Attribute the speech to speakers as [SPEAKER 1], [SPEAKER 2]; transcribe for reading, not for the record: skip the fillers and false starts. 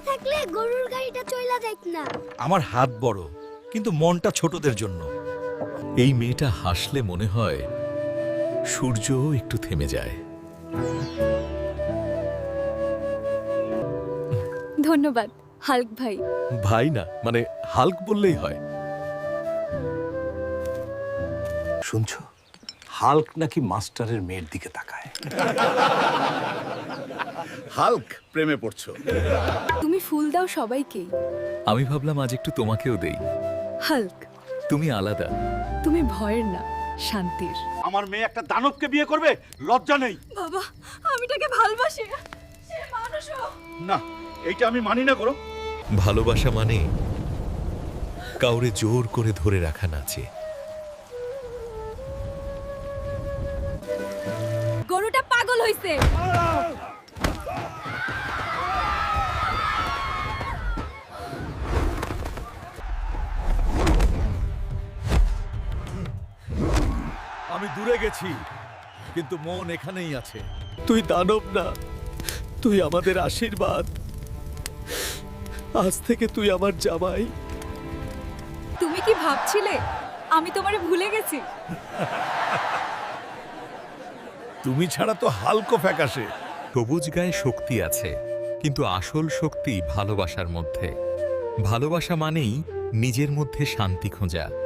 [SPEAKER 1] থাকলে গরুর গাড়িটা চইলা যাইত না।
[SPEAKER 2] আমার হাত বড়, কিন্তু মনটা ছোটদের জন্য।
[SPEAKER 3] এই মেয়েটা হাসলে মনে হয় সূর্যও একটু থেমে যায়।
[SPEAKER 4] ধন্যবাদ হাল্ক ভাই।
[SPEAKER 3] ভাই না, মানে হাল্ক বললেই হয়।
[SPEAKER 5] শুনছো, হাল্ক নাকি মাস্টারের মেয়ের দিকে তাকায়।
[SPEAKER 6] হাল্ক প্রেমে পড়ছো?
[SPEAKER 4] তুমি ফুল দাও সবাইকেই।
[SPEAKER 3] আমি ভাবলাম আজ একটু তোমাকেও দেই।
[SPEAKER 4] হাল্ক,
[SPEAKER 3] তুমি আলাদা।
[SPEAKER 4] তুমি ভয়ের না, শান্তির।
[SPEAKER 6] আমার মেয়ে একটা দানবকে বিয়ে করবে? লজ্জা নেই?
[SPEAKER 4] বাবা, আমি তাকে ভালোবাসি। সে মানুষও।
[SPEAKER 6] না, এইটা আমি মানি না। করো
[SPEAKER 3] ভালোবাসা মানে কাউরে জোর করে ধরে রাখা নাচে।
[SPEAKER 4] গরুটা পাগল হইছে।
[SPEAKER 2] আমি দূরে গেছি, কিন্তু মন এখানেই আছে।
[SPEAKER 3] তুই দানব না, তুই আমাদের আশীর্বাদ। আজ থেকে তুই আমার জামাই।
[SPEAKER 4] তুমি কি ভাবছিলে আমি তোমারে ভুলে গেছি?
[SPEAKER 2] তুমি ছাড়া তো হালকো ফ্যাকাশে।
[SPEAKER 3] সবুজ গায়ে শক্তি আছে, কিন্তু আসল শক্তি ভালোবাসার মধ্যে। ভালোবাসা মানেই নিজের মধ্যে শান্তি খোঁজা।